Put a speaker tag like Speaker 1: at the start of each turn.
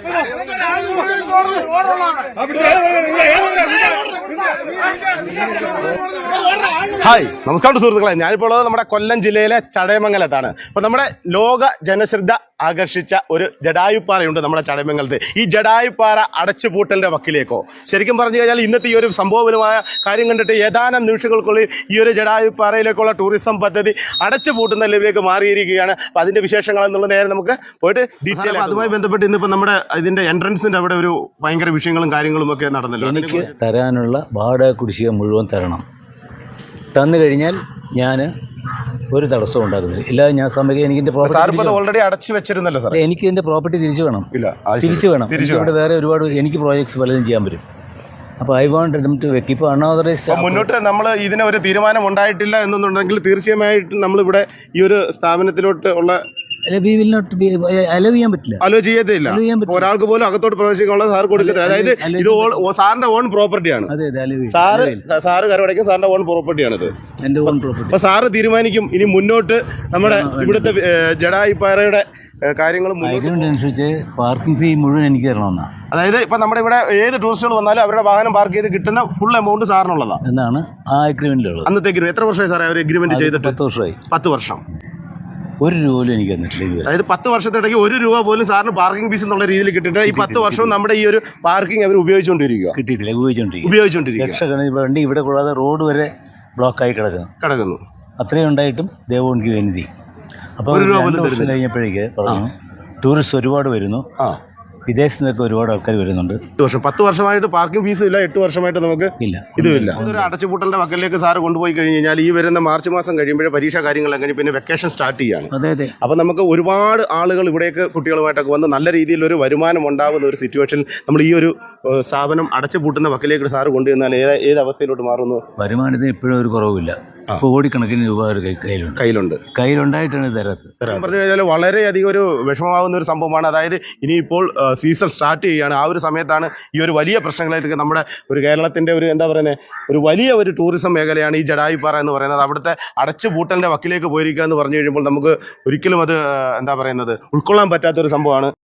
Speaker 1: Hi, നമസ്കാരം സുഹൃത്തുക്കളെ. ഞാനിപ്പോൾ ഉള്ളത് നമ്മുടെ കൊല്ലം ജില്ലയിലെ ചടയമംഗലത്താണ്. അപ്പോൾ നമ്മുടെ ലോക ജനശ്രദ്ധ ആകർഷിച്ച ഒരു ജടായുപ്പാറയുണ്ട് നമ്മുടെ ചടയമംഗലത്ത്. ഈ ജടായുപ്പാറ അടച്ചുപൂട്ടലിന്റെ വക്കിലേക്കോ, ശരിക്കും പറഞ്ഞു കഴിഞ്ഞാൽ ഇന്നത്തെ ഈ ഒരു സംഭവപരമായ കാര്യം കണ്ടിട്ട് ഏതാനും നിമിഷങ്ങൾക്കുള്ളിൽ ഈ ഒരു ജടായുപ്പാറയിലേക്കുള്ള ടൂറിസം പദ്ധതി അടച്ചുപൂട്ടുന്ന ലെവലിലേക്ക് മാറിയിരിക്കുകയാണ്. അപ്പോൾ അതിന്റെ വിശേഷങ്ങൾ എന്നുള്ള നേരെ നമുക്ക് പോയിട്ട് ഡീറ്റെയിൽ. അതുമായി ബന്ധപ്പെട്ട് ഇന്നിപ്പോൾ നമ്മുടെ ഇതിന്റെ എൻട്രൻസിന്റെ അവിടെ ഒരു ഭയങ്കര വിഷയങ്ങളും കാര്യങ്ങളും ഒക്കെ നടന്നല്ലോ.
Speaker 2: എനിക്ക് തരാനുള്ള വാടക കുടിശ്ശിക മുഴുവൻ തരണം. തന്നു കഴിഞ്ഞാൽ ഞാൻ ഒരു തടസ്സവും ഉണ്ടാക്കുന്നില്ല. ഇല്ലാതെ ഞാൻ സമയം എനിക്ക്
Speaker 1: ഓൾറെഡി അടച്ചു വെച്ചിരുന്നല്ലോ സാർ.
Speaker 2: എനിക്ക് ഇതിന്റെ പ്രോപ്പർട്ടി തിരിച്ചു വേണം. തിരിച്ചു വേണം. ഇവിടെ വേറെ ഒരുപാട് എനിക്ക് പ്രോജക്ട്സ് പലതും ചെയ്യാൻ പറ്റും. അപ്പോൾ ഐ വാണ്ട് ദം ടു വെക്ക്. ഇപ്പോൾ അൺഓതറൈസ്ഡ്
Speaker 1: മുന്നോട്ട് നമ്മൾ ഇതിന് ഒരു തീരുമാനം ഉണ്ടായിട്ടില്ല എന്നുണ്ടെങ്കിൽ തീർച്ചയായിട്ടും നമ്മളിവിടെ ഈ ഒരു സ്ഥാപനത്തിലോട്ട് ഉള്ള
Speaker 2: അലോ ചെയ്യാൻ പറ്റില്ല.
Speaker 1: അലോ ചെയ്യത്തില്ല. ഒരാൾക്ക് പോലും അകത്തോട്ട് പ്രവേശിക്കാനുള്ള സാർ കൊടുക്കത്തില്ല. അതായത് ഇത് സാറിന്റെ ഓൺ പ്രോപ്പർട്ടിയാണ്. സാറ് കരവടയ്ക്കും സാറിന്റെ ഓൺ പ്രോപ്പർട്ടിയാണ് ഇത്.
Speaker 2: എന്റെ ഓൺ പ്രോപ്പർട്ടി.
Speaker 1: അപ്പൊ സാറ് തീരുമാനിക്കും ഇനി മുന്നോട്ട് നമ്മുടെ ഇവിടുത്തെ ജടായുപ്പാറയുടെ കാര്യങ്ങൾ
Speaker 2: അനുസരിച്ച് പാർക്കിംഗ് ഫീ മുഴുവൻ എനിക്ക് തരണമെന്നാ.
Speaker 1: അതായത് ഇപ്പൊ നമ്മുടെ ഇവിടെ ഏത് ടൂറിസ്റ്റുകൾ വന്നാലും അവരുടെ വാഹനം പാർക്ക് ചെയ്ത് കിട്ടുന്ന ഫുൾ എമൗണ്ട് സാറിനുള്ളതാണ്
Speaker 2: എന്നാണ് ആ അഗ്രിമെന്റിലുള്ളത്.
Speaker 1: അന്നത്തെ എത്ര വർഷമായി സാറേ ഒരു അഗ്രിമെന്റ് ചെയ്തിട്ട്?
Speaker 2: 10 വർഷമായി.
Speaker 1: 10 വർഷം.
Speaker 2: ഒരു രൂപ പോലും എനിക്ക് തന്നിട്ടില്ല.
Speaker 1: അതായത് 10 വർഷത്തിടയ്ക്ക് ഒരു രൂപ പോലും സാറിന് പാർക്കിംഗ് ഫീസ് എന്നുള്ള രീതിയിൽ കിട്ടിയിട്ട് ഈ 10 വർഷവും നമ്മുടെ ഈ ഒരു പാർക്കിംഗ് അവർ ഉപയോഗിച്ചുകൊണ്ടിരിക്കുക.
Speaker 2: കിട്ടിയിട്ടില്ല, ഉപയോഗിച്ചുകൊണ്ടിരിക്കുക. ലക്ഷക്കണക്കിന് വണ്ടി ഇവിടെ കൂടാതെ റോഡ് വരെ ബ്ലോക്കായി കിടക്കുന്നു. അത്രയും ഉണ്ടായിട്ടും ദേവോണിക്ക് വേണ്ടി. അപ്പോൾ 2 വർഷം കഴിഞ്ഞപ്പോഴേക്ക് പറഞ്ഞു ടൂറിസ്റ്റ് ഒരുപാട് വരുന്നു, വിദേശത്ത് നിന്നൊക്കെ ഒരുപാട് ആൾക്കാർ വരുന്നുണ്ട്. 10
Speaker 1: വർഷമായിട്ട് പാർക്കിംഗ് ഫീസും ഇല്ല. 8 വർഷമായിട്ട് നമുക്ക് ഇതുമില്ല. ഇതൊരു അടച്ചുപൂട്ടലിന്റെ വക്കലിലേക്ക് സാറ് കൊണ്ടുപോയി കഴിഞ്ഞ് കഴിഞ്ഞാൽ ഈ വരുന്ന മാർച്ച് മാസം കഴിയുമ്പോഴേ പരീക്ഷാ കാര്യങ്ങളെല്ലാം കഴിഞ്ഞ് പിന്നെ വെക്കേഷൻ സ്റ്റാർട്ട് ചെയ്യാണ്.
Speaker 2: അതെ.
Speaker 1: അപ്പം നമുക്ക് ഒരുപാട് ആളുകൾ ഇവിടേക്ക് കുട്ടികളുമായിട്ടൊക്കെ വന്ന് നല്ല രീതിയിലൊരു വരുമാനം ഉണ്ടാകുന്ന ഒരു സിറ്റുവേഷനിൽ നമ്മൾ ഈ ഒരു സ്ഥാപനം അടച്ചുപൂട്ടുന്ന വക്കലിലേക്ക് സാറ് കൊണ്ടുവന്നാൽ ഏത് അവസ്ഥയിലോട്ട് മാറുന്നു?
Speaker 2: വരുമാനത്തിന് ഇപ്പോഴും ഒരു കുറവില്ല. കോടിക്കണക്കിന് രൂപ കയ്യിലുണ്ടായിട്ടാണ് തരാത്തത്.
Speaker 1: പറഞ്ഞു കഴിഞ്ഞാൽ വളരെയധികം ഒരു വിഷമമാകുന്ന ഒരു സംഭവമാണ്. അതായത് ഇനിയിപ്പോൾ സീസൺ സ്റ്റാർട്ട് ചെയ്യുകയാണ്. ആ ഒരു സമയത്താണ് ഈ ഒരു വലിയ പ്രശ്നങ്ങളായിട്ട് നമ്മുടെ ഒരു കേരളത്തിൻ്റെ ഒരു എന്താ പറയുന്നത് ഒരു വലിയ ഒരു ടൂറിസം മേഖലയാണ് ഈ ജടായുപ്പാറ എന്ന് പറയുന്നത്. അവിടുത്തെ അടച്ചുപൂട്ടലിൻ്റെ വക്കിലേക്ക് പോയിരിക്കുക എന്ന് പറഞ്ഞു കഴിയുമ്പോൾ നമുക്ക് ഒരിക്കലും അത് എന്താ പറയുന്നത് ഉൾക്കൊള്ളാൻ പറ്റാത്തൊരു സംഭവമാണ്.